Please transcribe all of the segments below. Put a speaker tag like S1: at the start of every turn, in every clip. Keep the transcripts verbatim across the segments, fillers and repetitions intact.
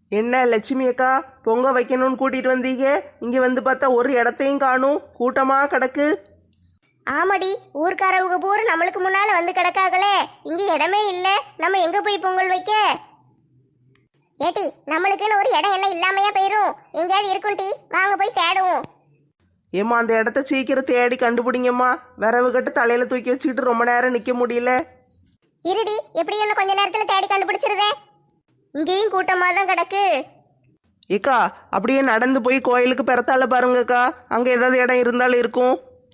S1: என்ன லட்சுமி அக்கா, பொங்க வைக்கணும்னு கூட்டிட்டு வந்தீங்க, இங்க வந்து பார்த்தா ஒரு இடத்தையும் காணும், கூட்டமா கிடக்கு.
S2: ஆமாடி, ஊர்க்காரவங்க பூரா நம்மளுக்கு முன்னால வந்து கிடக்காங்களே, இங்க இடமே இல்ல, நம்ம எங்க போய் பொங்கல் வைக்க? ஏட்டி, நம்மளுக்குன்னு ஒரு இடம் என்ன இல்லாமையா போயிரும், எங்கேயாவது இருக்கும் டி, வாங்க போய் தேடுவோம்.
S1: ஏம்மா அந்த இடத்த சீக்கிரம் தேடி கண்டுபிடிங்கம்மா, விரவு கட்டு தலையில தூக்கி வச்சுக்கிட்டு ரொம்ப நேரம் நிக்க முடியல.
S2: இருடி, எப்படி இன்னும் கொஞ்ச நேரத்துல தேடி கண்டுபிடிச்சிருதே. இங்கேயும் கூட்டமா தான் கிடக்கு.
S1: ஏக்கா அப்படியே நடந்து போய் கோயிலுக்கு பெறத்தால பாருங்கக்கா, அங்க ஏதாவது இடம் இருந்தாலும் இருக்கும்.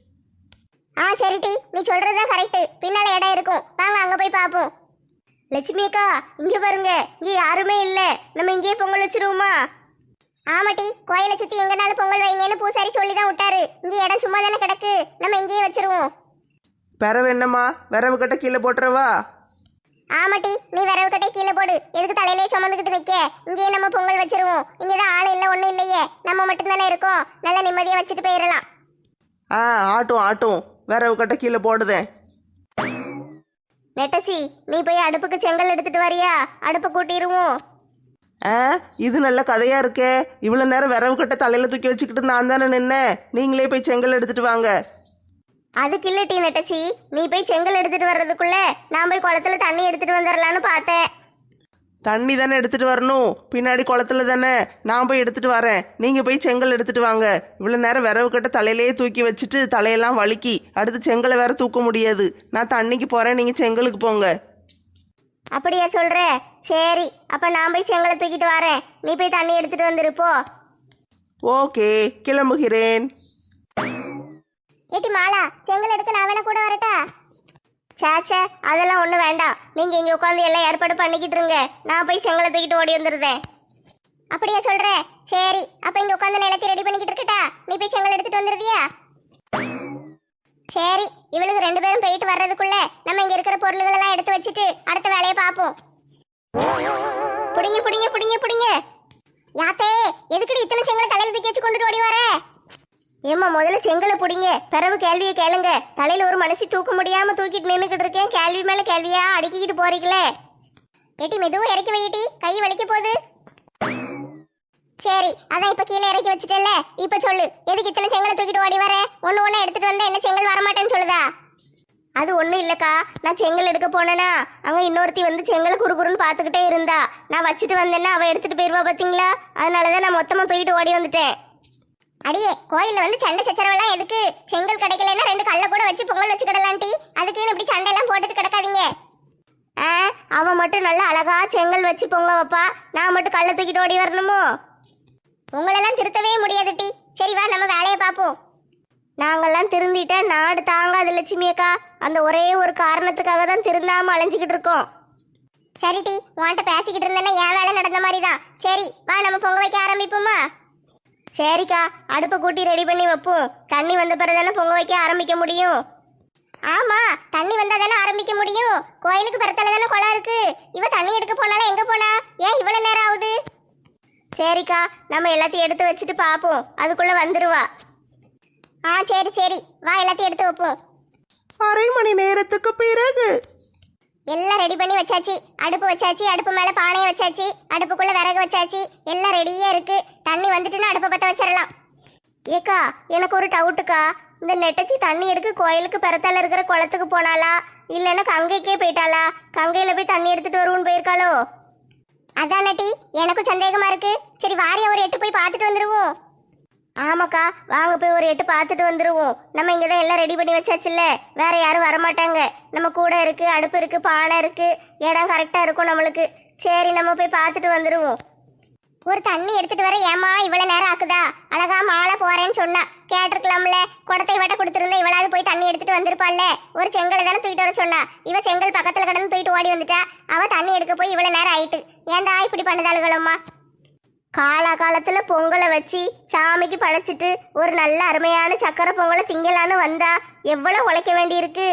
S2: ஆ சரிட்டி, நீ சொல்றதுதான் கரெக்ட், பின்னால இடம் இருக்கும், வாங்க அங்க போய் பாப்போம். லட்சுமி அக்கா, இங்க பாருங்க, இங்க யாருமே இல்ல, நம்ம இங்கேயே பொங்கல் வச்சிருவோமா? ஆமாட்டி, கோயிலை சுத்தி எங்கனாலும் பொங்கல் வைங்கன்னு பூசாரி சொல்லிதான் விட்டாரு, இங்க இடம் சும்மா தானே கிடக்கு, நம்ம இங்கேயே வச்சிருவோம்.
S1: பெறவு என்னம்மா, விரவு கட்ட கீழே போட்டுறவா?
S2: ஆமாட்டி, நீ விரவு கட்டை கீழே போடு, எதுக்கு தலையிலே சுமந்துக்கிட்டு வைக்க, இங்கேயே நம்ம பொங்கல் வச்சிருவோம். இங்கதான் ஆள் இல்லை ஒன்றும் இல்லையே, நம்ம மட்டும்தானே இருக்கோம், நல்லா நிம்மதியா வச்சுட்டு போயிடலாம்.
S1: ஆ ஆட்டும் ஆட்டும், விரவு கட்ட கீழே போடுதேன்.
S2: நெட்டச்சி, நீ போய் அடுப்புக்கு செங்கல் எடுத்துட்டு வரியா? அடுப்பு கூட்டிடுவோம்.
S1: ஆ இது நல்ல கதையா இருக்கே, இவ்வளவு நேரம் விரவு கட்ட தலையில தூக்கி வச்சுக்கிட்டு நான் தானே நின்னேன், நீங்களே போய் செங்கல் எடுத்துட்டு வாங்க.
S2: அதுக்கு இல்லை டீ நெட்டச்சி, நீ போய் செங்கல் எடுத்துட்டு வர்றதுக்குள்ள நான் போய் குளத்துல தண்ணி எடுத்துட்டு வந்துடலான்னு பார்த்தேன்.
S1: தண்ணி தானே எடுத்துட்டு வரணும், பின்னாடி குளத்துல தானே, நான் போய் எடுத்துட்டு வரேன், நீங்க போய் செங்கல் எடுத்துட்டு வாங்க. இவ்வளவு நேரம் விரவு கட்ட தலையிலேயே தூக்கி வச்சுட்டு தலையெல்லாம் வலிக்கி, அடுத்து செங்கலை வேற தூக்க முடியாது. நான் தண்ணிக்கு போறேன், நீங்க செங்கலுக்கு போங்க.
S2: அப்படியா சொல்ற? சரி, அப்ப நான் போய் செங்கலை தூக்கிட்டு வரேன், நீ போய் தண்ணி எடுத்துட்டு வந்துருப்போ.
S1: ஓகே, கிளம்புகிறேன்.
S2: ஏட்டி மாலா, செங்கல் எடுக்க நான் வேணா கூட வரட்டா? சாச்சே, அதெல்லாம் ஒன்றும் வேண்டாம், நீங்கள் இங்கே உட்காந்து எல்லாம் ஏற்பாடு பண்ணிக்கிட்டு இருங்க, நான் போய் செங்கலை தூக்கிட்டு ஓடி வந்துடுறேன். அப்படியா சொல்ற? சரி, அப்போ இங்கே உட்காந்து நிலத்தை ரெடி பண்ணிக்கிட்டு இருக்கட்டா, நீ போய் செங்கல் எடுத்துட்டு வந்துடுறியா? சரி, இவளுக்கு ரெண்டு பேரும் போயிட்டு வர்றதுக்குள்ள நம்ம இங்கே இருக்கிற பொருள்களெல்லாம் எடுத்து வச்சுட்டு அடுத்த வேலையை பார்ப்போம். புடிங்க புடிங்க புடிங்க புடிங்க. யாத்தே, எதுக்கடி இத்தனை செங்கலை தலையில் தூக்கி வச்சு கொண்டுட்டு ஓடி வர? ஏம்மா, முதல்ல செங்கலை பிடிங்க, பிறகு கேள்வியை கேளுங்க. தலையில ஒரு மனுஷி தூக்க முடியாம தூக்கிட்டு நின்றுக்கிட்டு இருக்கேன், கேள்வி மேல கேள்வியா அடுக்கிக்கிட்டு போறீங்களே. ஏட்டி மெதுவும் இறக்கி வைட்டி, கை வலிக்க போகுது. சரி, அதான் இப்ப கீழே இறக்கி வச்சுட்டல, இப்ப சொல்லு, எதுக்கு இத்தனை செங்கலை தூக்கிட்டு ஓடி வர? ஒண்ணு ஒண்ணு எடுத்துட்டு வந்தா என்ன செங்கல் வரமாட்டேன்னு சொல்லுதா? அது ஒண்ணும் இல்லக்கா, நான் செங்கல் எடுக்க போனேனா அங்க இன்னொருத்தி வந்து செங்கலை குறுகுறுன்னு பாத்துக்கிட்டே இருந்தா, நான் வச்சுட்டு வந்தேன்னா அவ எடுத்துட்டு போயிருவா பாத்தீங்களா, அதனாலதான் நான் மொத்தமா தூக்கிட்டு ஓடி வந்துட்டேன். அடியே, கோயில்ல வந்து சண்டை சச்சரவெல்லாம் எதுக்கு? செங்கல் கிடைக்கலன்னா ரெண்டு கல்ல கூட வச்சு பொங்கல் வச்சு கிடலான்டி, அதுக்குன்னு இப்படி சண்டை எல்லாம் போட்டுட்டு கிடக்காதீங்க. ஆ, அவன் மட்டும் நல்லா அழகா செங்கல் வச்சு பொங்க வைப்பா, நான் மட்டும் கல்ல தூக்கிட்டு ஓடி வரணுமோ? உங்களெல்லாம் திருத்தவே முடியாது டி. சரி வா, நம்ம வேலையை பார்ப்போம். நாங்கெல்லாம் திருந்திட்டா நாடு தாங்காது லட்சுமி அக்கா, அந்த ஒரே ஒரு காரணத்துக்காக தான் திருந்தாம அலைஞ்சிக்கிட்டு இருக்கோம். சரி டி, உன்கிட்ட பேசிக்கிட்டு இருந்தேன்னா என் வேலை நடந்த மாதிரி தான். சரி வா, நம்ம பொங்க வைக்க ஆரம்பிப்போமா? சரிக்கா, அடுப்பை கூட்டி ரெடி பண்ணி வைப்போம், தண்ணி வந்த பிறதானே பொங்க வைக்க ஆரம்பிக்க முடியும். ஆமா, தண்ணி வந்தா தானே ஆரம்பிக்க முடியும், கோயிலுக்கு பிறத்தால தானே குளம் இருக்கு. இவ தண்ணி எடுக்க போனாலும் எங்க போனா, ஏன் இவ்வளவு நேரம் ஆகுது? சரிக்கா, நம்ம எல்லாத்தையும் எடுத்து வச்சுட்டு பாப்போம், அதுக்குள்ள வந்துருவா. ஆ சரி சரி, வா எல்லாத்தையும் எடுத்து வைப்போம்.
S1: அரை மணி நேரத்துக்கு பிறகு
S2: எல்லாம் ரெடி பண்ணி வச்சாச்சு, அடுப்பு வச்சாச்சு, அடுப்பு மேல பானையை வச்சாச்சு, அடுப்புக்குள்ள விறகு வச்சாச்சு, எல்லாம் ரெடியா இருக்கு. தண்ணி வந்துட்டுன்னா அடுப்பை பத்த வச்சிடலாம். ஏக்கா, எனக்கு ஒரு டவுட்டுக்கா, இந்த நெட்டச்சி தண்ணி எடுக்க கோயிலுக்கு பெறத்தால இருக்கிற குளத்துக்கு போனாலா, இல்லைன்னா கங்கைக்கே போயிட்டாளா? கங்கையில போய் தண்ணி எடுத்துட்டு வருவோன்னு போயிருக்காளோ? அதான் நட்டி, எனக்கும் சந்தேகமா இருக்கு. சரி வாரியா ஒரு எட்டு போய் பார்த்துட்டு வந்துருவோம். ஆமாக்கா, வாங்க போய் ஒரு எட்டு பார்த்துட்டு வந்துருவோம். நம்ம இங்கதான் எல்லாம் ரெடி பண்ணி வச்சாச்சுல்ல, வேற யாரும் வரமாட்டாங்க. நம்ம கூட இருக்கு, அடுப்பு இருக்கு, பானை இருக்கு, இடம் கரெக்டா இருக்கும் நம்மளுக்கு. சரி, நம்ம போய் பார்த்துட்டு வந்துருவோம். ஒரு தண்ணி எடுத்துட்டு வர ஏமா இவ்வளவு நேரம் ஆக்குதா? அழகா மாலை போறேன்னு சொன்னா கேட்டிருக்கலாம்ல, குடத்தை வட்ட கொடுத்துருந்தா இவளாவது போய் தண்ணி எடுத்துட்டு வந்திருப்பாள்ல. ஒரு செங்கலை தானே தூக்கிட்டு வர சொன்னா, இவ செங்கல் பக்கத்துல கடந்து தூக்கிட்டு ஓடி வந்துட்டா. அவ தண்ணி எடுக்க போய் இவ்வளவு நேரம் ஆயிட்டு. ஏன்டா இப்படி பண்ணுதாளுகளம்மா? காலா காலத்துல பொங்கலை வச்சு சாமிக்கு படைச்சிட்டு ஒரு நல்ல அருமையான சக்கரை பொங்கலை திங்கலான்னு வந்தா எவ்வளவு உழைக்க வேண்டியிருக்கு.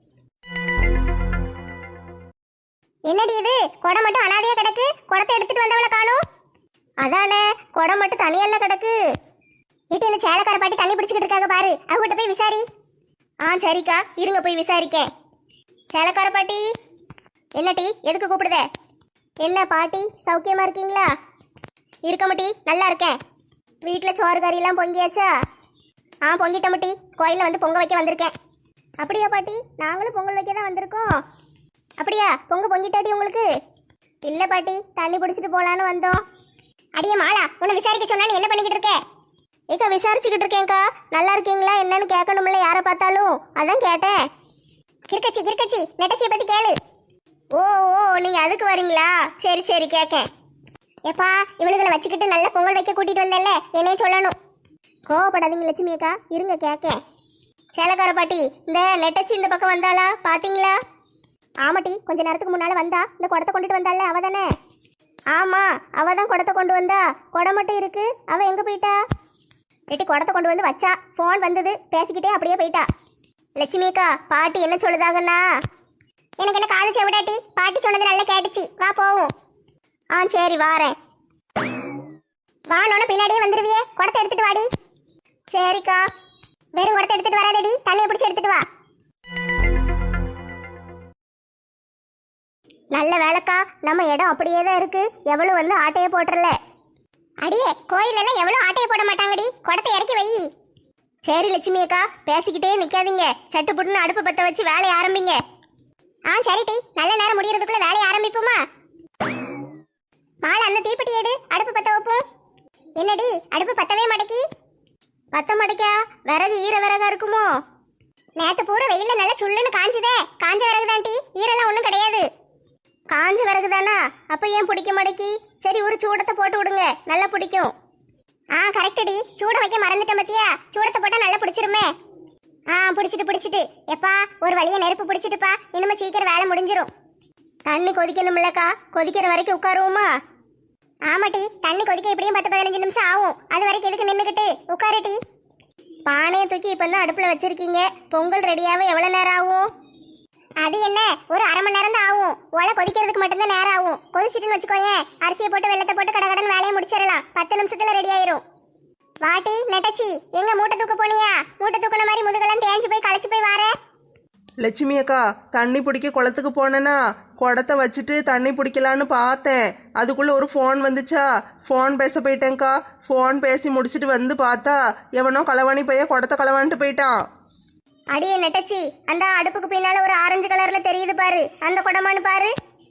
S2: என்னடி இது, குடம் மட்டும் அனாதையா கிடக்கு, குடத்தை எடுத்துட்டு வந்தவளை காணும். அதானே, குடம் மட்டும் தனியல்ல கிடக்கு. வீட்டில் சேலக்கார பாட்டி தண்ணி பிடிச்சிக்கிட்டு இருக்காங்க பாரு, அவங்ககிட்ட போய் விசாரி. ஆ சரிக்கா, இருங்க போய் விசாரிக்கேன். சேலக்கார பாட்டி. என்ன டீ, எதுக்கு கூப்பிடுத? என்ன பாட்டி, சௌக்கியமா இருக்கீங்களா? இருக்க மாட்டி, நல்லா இருக்கேன். வீட்டில் சோறு கறியெல்லாம் பொங்கியாச்சா? ஆ பொங்கிட்ட மாட்டி, கோயிலில் வந்து பொங்க வைக்க வந்திருக்கேன். அப்படியா பாட்டி, நாங்களும் பொங்கல் வைக்க தான் வந்திருக்கோம். அப்படியா, பொங்க பொங்கிட்டாடி உங்களுக்கு? இல்லை பாட்டி, தண்ணி பிடிச்சிட்டு போகலான்னு வந்தோம். அடியே மாலா, உன்னை விசாரிக்க சொன்னா நீ என்ன பண்ணிக்கிட்டு இருக்க? ஏக்கா விசாரிச்சுக்கிட்டு இருக்கேன்க்கா. நல்லா இருக்கீங்களா என்னன்னு கேட்கணும்ல யாரை பார்த்தாலும், அதான் கேட்டேன். கிறுக்கச்சி கிறுக்கச்சி நெட்டச்சியை பற்றி கேளு. ஓ ஓ நீங்கள் அதுக்கு வரீங்களா? சரி சரி கேட்கேன். ஏப்பா, இவளுகளை வச்சுக்கிட்டு நல்ல பொங்கல் வைக்க கூட்டிகிட்டு வந்தேன்ல, என்னையும் சொல்லணும். கோவப்படாதீங்க லட்சுமி அக்கா, இருங்க கேட்கேன். சேலக்கார பாட்டி, இந்த நெட்டச்சி இந்த பக்கம் வந்தாளா பார்த்தீங்களா? ஆமாட்டி, கொஞ்ச நேரத்துக்கு முன்னால் வந்தா. இந்த குடத்தை கொண்டுட்டு வந்தால அவ தானே? ஆமாம், அவ தான் குடத்தை கொண்டு வந்தா. குடம் மட்டும் இருக்கு, அவ எங்கே போயிட்டா? எட்டி குடத்தை கொண்டு வந்து வச்சா, ஃபோன் வந்தது, பேசிக்கிட்டே அப்படியே போயிட்டா. லட்சுமி அக்கா, பாட்டி என்ன சொல்லுதாங்கண்ணா? எனக்கு என்ன காது செவிடாட்டி, பாட்டி சொன்னது நல்லா கேட்டுச்சு, வா போவோம். ஆ சரி வாரேன். வானோன்னு பின்னாடியே வந்துடுவியே, குடத்தை எடுத்துட்டு வாடி. சரிக்கா. வெறும் குடத்தை எடுத்துட்டு வராதடி, தண்ணியை பிடிச்சி எடுத்துட்டு வா. நல்ல வேலைக்கா, நம்ம இடம் அப்படியே தான் இருக்கு, எவ்வளவு வந்து ஆட்டையை போட்டுறல. அடியே, கோயிலெல்லாம் எவ்வளவு ஆட்டையை போட மாட்டாங்கடி, குடத்தை இறக்கி வை. சரி லட்சுமி அக்கா, பேசிக்கிட்டே நிக்காதீங்க, சட்டு புட்டுன்னு அடுப்பு பற்ற வச்சு வேலையை ஆரம்பிங்க. ஆ சரிட்டி, நல்ல நேரம் முடியறதுக்குள்ள வேலையை ஆரம்பிப்போமா? மாலை அந்த தீப்பெட்டி எடு, அடுப்பு பற்ற வைப்போம். என்னடி, அடுப்பு பத்தவே மாட்டேக்கி? பத்த மாட்டேக்கா? விறகு ஈர விறகா இருக்குமோ? நேற்று பூரா வெயில நல்லா சுள்ளுன்னு காஞ்சுதே, காஞ்ச விறகு தான்டி, ஈரெல்லாம் ஒன்றும் கிடையாது. காஞ்ச விறகு தானா? அப்போ ஏன் பிடிக்க மாட்டேக்கி? சரி, ஒரு சூடத்தை போட்டு விடுங்க, நல்லா பிடிக்கும். ஆ கரெக்டடி, சூடம் வைக்க மறந்துட்டேன் பத்தியா, சூடத்தை போட்டால் நல்லா பிடிச்சிருமே. ஆ பிடிச்சிட்டு பிடிச்சிட்டு எப்பா, ஒரு வழியை நெருப்பு பிடிச்சிட்டுப்பா, இனிமே சீக்கிரம் வேலை முடிஞ்சிரும். தண்ணி கொதிக்கணும்லக்கா, கொதிக்கிற வரைக்கும் உட்காருவோமா? ஆமாட்டி, தண்ணி கொதிக்க எப்படியும் பத்து பதினஞ்சு நிமிஷம் ஆகும், அது வரைக்கும் எதுக்கு நின்றுக்கிட்டு உட்காருட்டி. பானையை தூக்கி இப்போ தான் அடுப்பில் வச்சிருக்கீங்க, பொங்கல் ரெடியாகவே எவ்வளோ நேரம் ஆகும்? அது என்ன, ஒரு அரை மணி நேரம் தான் ஆகும். ஒலை கொதிக்கிறதுக்கு மட்டும்தான் நேரம் ஆகும். கொதிச்சிட்டுன்னு வச்சுக்கோயேன், அரிசியை போட்டு வெள்ளத்தை போட்டு கடை கடன் வேலையை முடிச்சிடலாம், பத்து நிமிஷத்துல ரெடி ஆயிரும். வாட்டி நெட்டச்சி, எங்க மூட்டை தூக்க போனியா? மூட்டை தூக்குன மாதிரி முதுகெல்லாம் தேஞ்சு போய் களைச்சு போய் வார.
S1: லட்சுமி அக்கா, தண்ணி பிடிக்க குளத்துக்கு போனேன்னா குடத்தை வச்சுட்டு தண்ணி பிடிக்கலான்னு பார்த்தேன். அதுக்குள்ள ஒரு ஃபோன் வந்துச்சா, ஃபோன் பேச போயிட்டேங்க்கா. ஃபோன் பேசி முடிச்சுட்டு வந்து பார்த்தா எவனோ களவாணி பைய குடத்தை களவான்ட்டு போயிட்டான்.
S2: அடியே நெட்டச்சி, அந்த அடுப்புக்கு பின்னால ஒரு ஆரஞ்சு கலர்ல தெரியுது பாரு, அந்த குடமானு பாரு.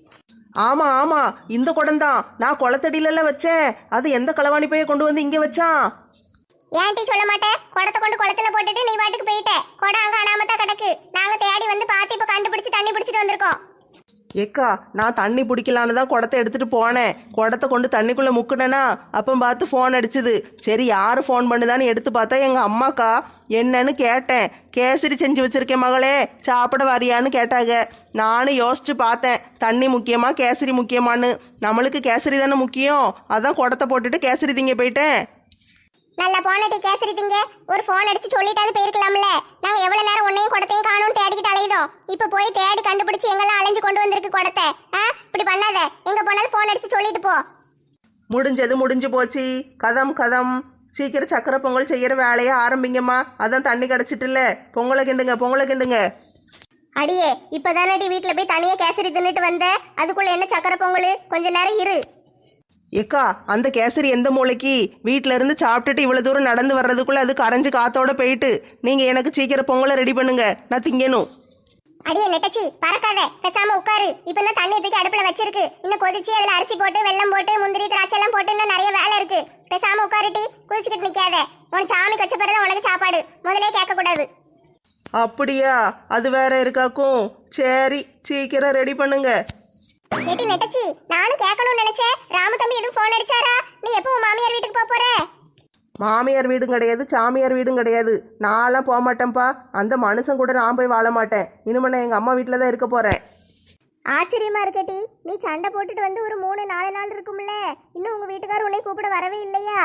S1: ஆமா ஆமா, இந்த குடம் தான். நான் குளத்தடியில வச்சேன், அது எந்த களவாணி பைய கொண்டு வந்து இங்க வச்சான்?
S2: ஏன்டி சொல்ல மாட்டேன்? குடத்தை கொண்டு குளத்துல போட்டுட்டு நீ பாட்டுக்கு போயிட்ட, குடம் அங்க அனாமத்தா கிடக்கு. நாங்க தேடி வந்து பார்த்து இப்ப கண்டுபிடிச்சு தண்ணி பிடிச்சிட்டு வந்திருக்கோம்.
S1: ஏக்கா, நான் தண்ணி பிடிக்கலான்னு தான் குடத்தை எடுத்துட்டு போனேன். குடத்தை கொண்டு தண்ணிக்குள்ள முக்குனேனா அப்போ பார்த்து ஃபோன் அடிச்சுது. சரி, யாரு ஃபோன் பண்ணுதான்னு எடுத்து பார்த்தா எங்க அம்மாக்கா. என்னன்னு கேட்டேன். கேசரி செஞ்சு வச்சிருக்கேன் மகளே, சாப்பிட வரியான்னு கேட்டாங்க. நானும் யோசிச்சு பார்த்தேன், தண்ணி முக்கியமா கேசரி முக்கியமான்னு. நம்மளுக்கு கேசரி தானே முக்கியம், அதான் குடத்தை போட்டுட்டு கேசரி திங்க போயிட்டேன்.
S2: நல்லா போனட்டி கேசரி திங்க. ஒரு ஃபோன் அடிச்சு சொல்லிட்டாது போயிருக்கலாம்ல. நாங்க எவ்வளவு நேரம் உன்னையும் குடத்தையும் காணும்னு தேடிக்கிட்டு அலையுதோம். இப்ப போய் தேடி கண்டுபிடிச்சு எங்கெல்லாம் அலைஞ்சு கொண்டு வந்திருக்கு குடத்தை. ஆ இப்படி பண்ணாத, எங்க போனாலும் ஃபோன் அடிச்சு சொல்லிட்டு போ.
S1: முடிஞ்சது முடிஞ்சு போச்சு. கதம் கதம். சீக்கிரம் சக்கரை பொங்கல் செய்யற வேலையை ஆரம்பிங்கம்மா. அதான் தண்ணி கிடச்சிட்டுல. பொங்கலை கிண்டுங்க, பொங்கலை கிண்டுங்க.
S2: அடியே, இப்பதானடி வீட்டுல போய் தனியா கேசரி தின்னுட்டு வந்த, அதுக்குள்ள என்ன சக்கரை பொங்கல்? கொஞ்ச நேரம் இரு.
S1: ஏக்கா, அந்த கேசரி எந்த மூளைக்கு? வீட்டில இருந்து சாப்பிட்டுட்டு இவ்வளவு தூரம் நடந்து வர்றதுக்குள்ள அது கரைஞ்சு காத்தோட போயிட்டு. நீங்க எனக்கு சீக்கிரம் பொங்கலை ரெடி பண்ணுங்க, நான் திங்கணும்.
S2: அடியே நெட்டச்சி, பறக்காத, பேசாம உட்காரு. இப்ப தான் தண்ணி தூக்கி அடுப்புல வச்சிருக்கு, இன்னும் கொதிச்சு அதுல அரிசி போட்டு வெல்லம் போட்டு முந்திரி திராட்சை எல்லாம் போட்டு இன்னும் நிறைய வேலை இருக்கு. பேசாம உட்காருட்டி, குதிச்சுக்கிட்டு நிக்காத. உன் சாமி வச்ச பிறகு உனக்கு சாப்பாடு, முதலே கேட்க கூடாது.
S1: அப்படியா? அது வேற இருக்காக்கும். சரி, சீக்கிரம் ரெடி பண்ணுங்க.
S2: ஏட்டி நெட்டச்சி, நானும் கேட்கணும்னு நினைச்சேன். ராமு தம்பி எதுவும் போன் அடிச்சாரா? நீ எப்போ உன் மாமியார் வீட்டுக்கு போக போற?
S1: மாமியார் வீடும் கிடையாது, சாமியார் வீடும் கிடையாது. நான்லாம் போக மாட்டேன்ப்பா. அந்த மனுஷன் கூட நான் போய் வாழ மாட்டேன். இனிமே நான் எங்க அம்மா வீட்டில் தான் இருக்க போறேன்.
S2: ஆச்சரியமா இருக்கட்டி, நீ சண்டை போட்டுட்டு வந்து ஒரு மூணு நாலு நாள் இருக்கும்ல, இன்னும் உங்க வீட்டுக்காரர் உன்னை கூப்பிட வரவே இல்லையா?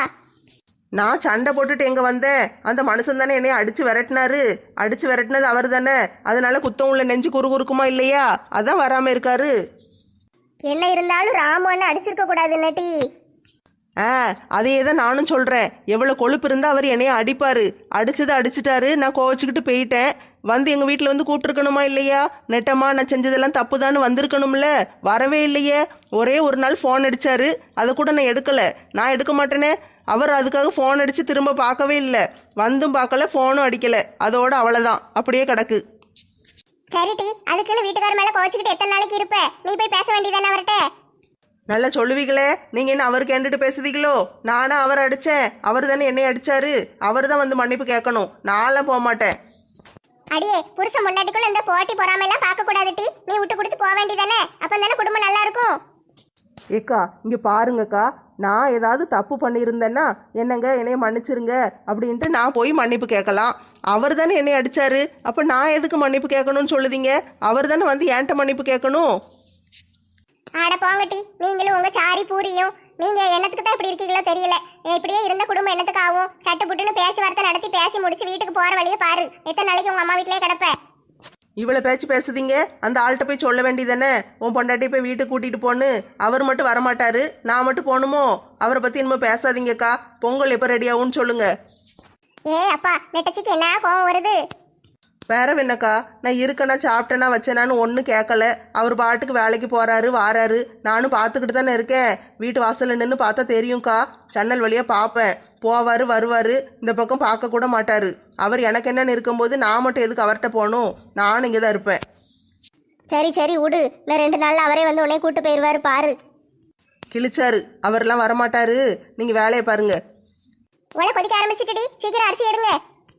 S1: நான் சண்டை போட்டுட்டு எங்க வந்தேன்? அந்த மனுஷன் தானே என்னைய அடிச்சு விரட்டினாரு. அடிச்சு விரட்டினது அவர் தானே, அதனால குத்தம் உள்ள நெஞ்சு குறு குறுக்குமா இல்லையா, அதான் வராம இருக்காரு.
S2: என்ன இருந்தாலும் ராமு அண்ணன் அடிச்சிருக்க கூடாது நட்டி.
S1: ஆ அதே தான் நானும் சொல்றேன். எவ்வளவு கொழுப்பு இருந்தா அவர் என்னைய அடிப்பாரு. அடிச்சதை அடிச்சிட்டாரு, நான் கோவச்சுக்கிட்டு போயிட்டேன். வந்து எங்கள் வீட்டில் வந்து கூப்பிட்டுருக்கணுமா இல்லையா? நெட்டம்மா நான் செஞ்சதெல்லாம் தப்புதான்னு வந்திருக்கணும்ல. வரவே இல்லையே. ஒரே ஒரு நாள் ஃபோன் அடிச்சாரு, அதை கூட நான் எடுக்கலை. நான் எடுக்க மாட்டேனே. அவர் அதுக்காக ஃபோன் அடித்து திரும்ப பார்க்கவே இல்லை. வந்தும் பார்க்கல, ஃபோனும் அடிக்கலை. அதோட அவ்வளோதான், அப்படியே கிடக்கு.
S2: சரிட்டி, அதுக்குன்னு வீட்டுக்கார மேல கோச்சிக்கிட்டு எத்தனை நாளைக்கு இருப்ப? நீ போய் பேச வேண்டியதானே அவர்கிட்ட.
S1: நல்லா சொல்லுவீங்களே. நீங்கள் என்ன அவர் கேண்டுட்டு பேசுதீங்களோ? நானா அவர் அடித்தேன், அவர் தானே என்னை அடித்தாரு. அவர் தான் வந்து மன்னிப்பு கேட்கணும். நான்லாம் போக மாட்டேன்.
S2: அடியே, புருஷன் முன்னாடிக்குள்ள இந்த போட்டி பொறாமையெல்லாம் பார்க்க கூடாதுட்டி. நீ விட்டு கொடுத்து போக வேண்டியதானே? அப்போ தானே குடும்பம் நல்லா இருக்கும்.
S1: ஏக்கா இங்கே பாருங்கக்கா, நான் ஏதாவது தப்பு பண்ணியிருந்தேன்னா என்னங்க என்னைய மன்னிச்சிருங்க அப்படின்ட்டு நான் போய் மன்னிப்பு கேட்கலாம். அவர் தானே என்னை அடித்தாரு. அப்போ நான் எதுக்கு மன்னிப்பு கேட்கணும்னு சொல்லுதீங்க? அவர் தானே வந்து ஏன்ட்ட மன்னிப்பு கேட்கணும்.
S2: ஆட போங்கட்டி, நீங்களும் உங்க சாரி பூரியும். நீங்க என்னத்துக்கு தான் இப்படி இருக்கீங்களோ தெரியல. இப்படியே இருந்த குடும்பம் என்னத்துக்கு ஆகும்? சட்டு புட்டுன்னு பேச்சுவார்த்தை நடத்தி பேசி முடிச்சு வீட்டுக்கு போற வழியே பாரு. எத்தனை நாளைக்கு உங்க அம்மா வீட்டிலே கிடப்ப?
S1: இவ்வளோ பேச்சு பேசுதீங்க, அந்த ஆள்கிட்ட போய் சொல்ல வேண்டியதானே? உன் பொண்டாட்டி போய் வீட்டுக்கு கூட்டிகிட்டு போன்னு. அவர் மட்டும் வரமாட்டாரு, நான் மட்டும் போகணுமோ? அவரை பற்றி இனிமேல் பேசாதீங்கக்கா. பொங்கல் எப்போ ரெடி ஆகும்னு சொல்லுங்க.
S2: ஏ அப்பா, நெட்டச்சிக்கு என்ன கோவம் வருது?
S1: வேற என்னக்கா, நான் இருக்கேனா சாப்பிட்டேனா வச்சேனான்னு ஒன்றும் கேட்கல. அவர் பாட்டுக்கு வேலைக்கு போகிறாரு வாராரு. நானும் பார்த்துக்கிட்டு தானே இருக்கேன். வீட்டு வாசலில் நின்று பார்த்தா தெரியும்க்கா. ஜன்னல் வழியாக பார்ப்பேன். போவார் வருவார். இந்த பக்கம் பார்க்க கூட மாட்டார். அவர் எனக்கு என்னன்னு இருக்கும்போது நான் மட்டும் எதுக்கு அவர்கிட்ட போகணும்? நானும் இங்கே தான் இருப்பேன்.
S2: சரி சரி விடு, நான் ரெண்டு நாள்ல அவரே வந்து உன்னை கூட்டு போயிடுவாரு பாரு.
S1: கிழிச்சாரு, அவரெல்லாம் வரமாட்டாரு. நீங்கள் வேலையை பாருங்க.
S2: உலை கொதிக்க ஆரம்பிச்சுட்டுடி, சீக்கிரம் அரிசி எடுங்க.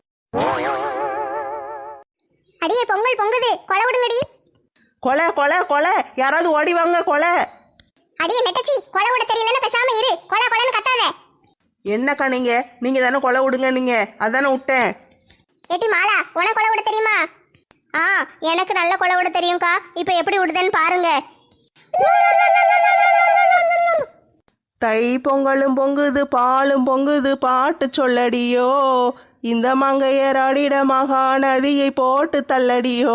S2: அடியே, பொங்கல் பொங்குது, கொலை விடுங்கடி.
S1: கொலை கொலை கொலை, யாராவது ஓடி வாங்க கொலை.
S2: அடியே நெட்டச்சி, கொலை விட தெரியலன்னு பேசாம இரு. கொலை கொலைன்னு கத்தாத.
S1: என்னக்கா நீங்க நீங்க தானே கொலை விடுங்க, நீங்க அதானே விட்டேன்.
S2: ஏட்டி மாலா, உனக்கு கொலை விட தெரியுமா? ஆ, எனக்கு நல்ல கொலை விட தெரியும்க்கா. இப்போ எப்படி விடுதேன்னு பாருங்க.
S1: தை பொங்கலும் பொங்குது பாலும் பொங்குது பாட்டு சொல்லடியோ, இந்த மங்கையராடிட மகாநதியை போட்டு தள்ளடியோ.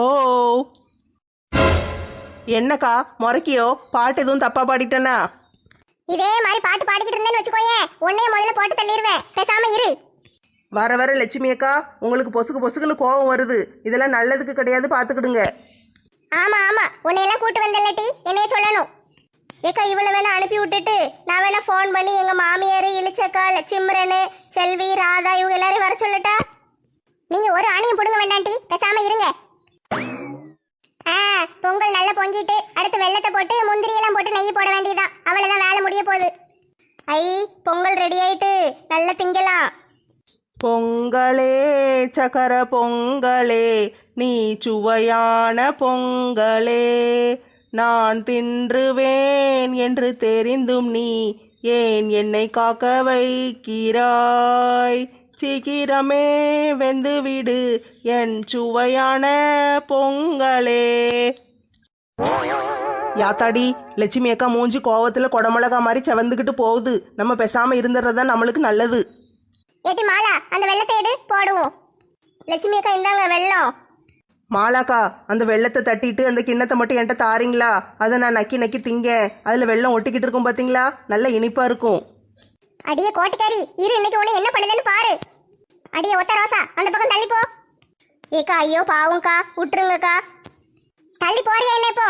S1: என்னக்கா முறைக்கியோ? பாட்டு எதுவும் தப்பா பாடிட்டேனா?
S2: இதே மாதிரி பாட்டு பாடிக்கிட்டு இருந்தேன்னு வச்சுக்கோயே, உன்னைய முதல்ல போட்டு தள்ளிடுவேன். பேசாம இரு.
S1: வர வர லட்சுமி அக்கா உங்களுக்கு பொசுக்கு பொசுக்குன்னு கோபம் வருது. இதெல்லாம் நல்லதுக்கு கிடையாது, பார்த்துக்கிடுங்க.
S2: ஆமா ஆமா, உன்னையெல்லாம் கூட்டு வந்தல்லட்டி, என்னைய சொல்லணும். ஏக்கா, இவ்வளவு வேணா அனுப்பி விட்டுட்டு நான் வேணா ஃபோன் பண்ணி எங்க மாமியார் இளிச்சக்கா சிம்ரனு செல்வி ராதா இவங்க எல்லாரையும் வர சொல்லட்டா? நீங்க ஒரு ஆணையும் பிடுங்க வேண்டாண்டி, பேசாம இருங்க. ஆ, பொங்கல் நல்லா பொங்கிட்டு அடுத்து வெள்ளத்தை போட்டு முந்திரி எல்லாம் போட்டு நெய் போட வேண்டியதான். அவ்வளவுதான், வேலை முடிய போகுது. ஐ, பொங்கல் ரெடி ஆயிட்டு நல்லா திங்கலாம்.
S1: பொங்கலே சக்கர பொங்கலே, நீ சுவையான பொங்கலே, நான் தின்றுவேன் என்று தெரிந்தும் நீ ஏன் என்னை காக்க வைக்கிறாய்? சீக்கிரமே வெந்து விடு என் சுவையான பொங்கலே. யாத்தாடி, லட்சுமி அக்கா மூஞ்சி கோவத்துல கொடமிளகா மாதிரி செவந்துக்கிட்டு போகுது. நம்ம பேசாம இருந்துடுறதுதான் நம்மளுக்கு நல்லது.
S2: ஏட்டி மாலா, அந்த வெள்ளத்தை எடு, போடுவோம். லட்சுமி அக்கா, இந்தாங்க வெள்ளம்.
S1: மாலாக்கா, அந்த வெள்ளத்தை தட்டிட்டு அந்த கிண்ணத்தை மட்டும் என்கிட்ட தாரீங்களா? அதை நான் நக்கி நக்கி திங்க. அதில் வெள்ளம் ஒட்டிக்கிட்டு இருக்கும் பார்த்தீங்களா? நல்ல இனிப்பா இருக்கும்.
S2: அடியே கோட்டிக்காரி, இரு, இன்னைக்கு உன்னை என்ன பண்ணுதுன்னு பாரு. அடியே ஒத்த ரோசா, அந்த பக்கம் தள்ளி போ. ஏக்கா, ஐயோ பாவம்க்கா, விட்டுருங்கக்கா. தள்ளி போறியா என்ன இப்போ?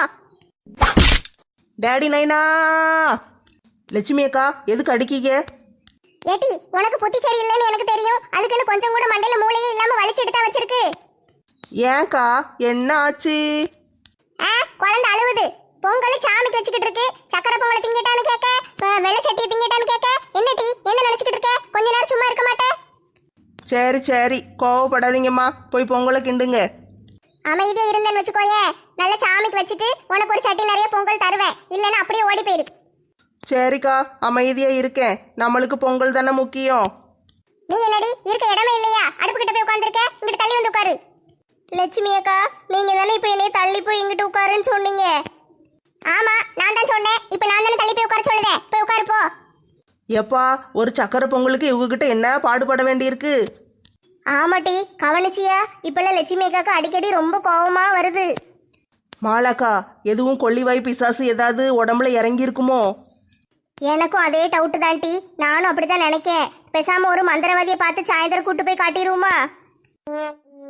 S1: டேடி நைனா. லட்சுமி அக்கா, எதுக்கு அடிக்கீங்க?
S2: ஏட்டி, உனக்கு புத்தி சரி இல்லைன்னு எனக்கு தெரியும். அதுக்குன்னு கொஞ்சம் கூட மண்டையில மூளையே இல்லாம வலிச்சுட்டு தான் வச்சிருக்கு.
S1: ஏன்க்கா, என்ன ஆச்சு?
S2: ஆ, குழந்தை அழுவுது. பொங்கல் சாமிக்கு வச்சுக்கிட்டு இருக்கு. சக்கரை பொங்கலை திங்கிட்டான்னு கேட்க, வெள்ளை சட்டியை திங்கிட்டான்னு கேட்க. என்ன டீ, என்ன நினைச்சுக்கிட்டு இருக்க? கொஞ்ச நேரம் சும்மா இருக்க மாட்டேன்?
S1: சரி சரி, கோவப்படாதீங்கம்மா. போய் பொங்கலை கிண்டுங்க.
S2: அமைதியா இருந்தேன்னு வச்சுக்கோயே, நல்ல சாமிக்கு வச்சுட்டு உனக்கு ஒரு சட்டி நிறைய பொங்கல் தருவேன். இல்லைன்னா அப்படியே ஓடி போயிரு.
S1: சரிக்கா, அமைதியா இருக்கேன். நம்மளுக்கு பொங்கல் தானே முக்கியம்.
S2: நீ என்னடி, இருக்க இடமே இல்லையா? அடுப்பு கிட்ட போய் உட்காந்துருக்க, இங்கிட்டு தள்ளி வந்து உட்காரு. லட்சுமி அக்கா, நீங்க தானே இப்ப என்னைய தள்ளி போய் இங்கிட்டு உட்காருன்னு சொன்னீங்க. ஆமா, நான் தான் சொன்னேன். இப்ப நான் தானே தள்ளி போய் உட்கார சொல்லுதேன். போய் உட்காரு போ.
S1: எப்பா, ஒரு சக்கரை பொங்கலுக்கு இவங்ககிட்ட என்ன பாடுபட வேண்டியிருக்கு?
S2: ஆமாட்டி, கவனிச்சியா? இப்பெல்லாம் லட்சுமி அக்காக்கு அடிக்கடி ரொம்ப கோவமா வருது.
S1: மாலாக்கா, எதுவும் கொள்ளிவாய் பிசாசு ஏதாவது உடம்புல இறங்கி இருக்குமோ?
S2: எனக்கும் அதே டவுட்டு தான் டி. நானும் அப்படித்தான் நினைக்கேன். பேசாம ஒரு மந்திரவாதியை பார்த்து சாயந்தரம் கூட்டு போய் காட்டிடுவோமா?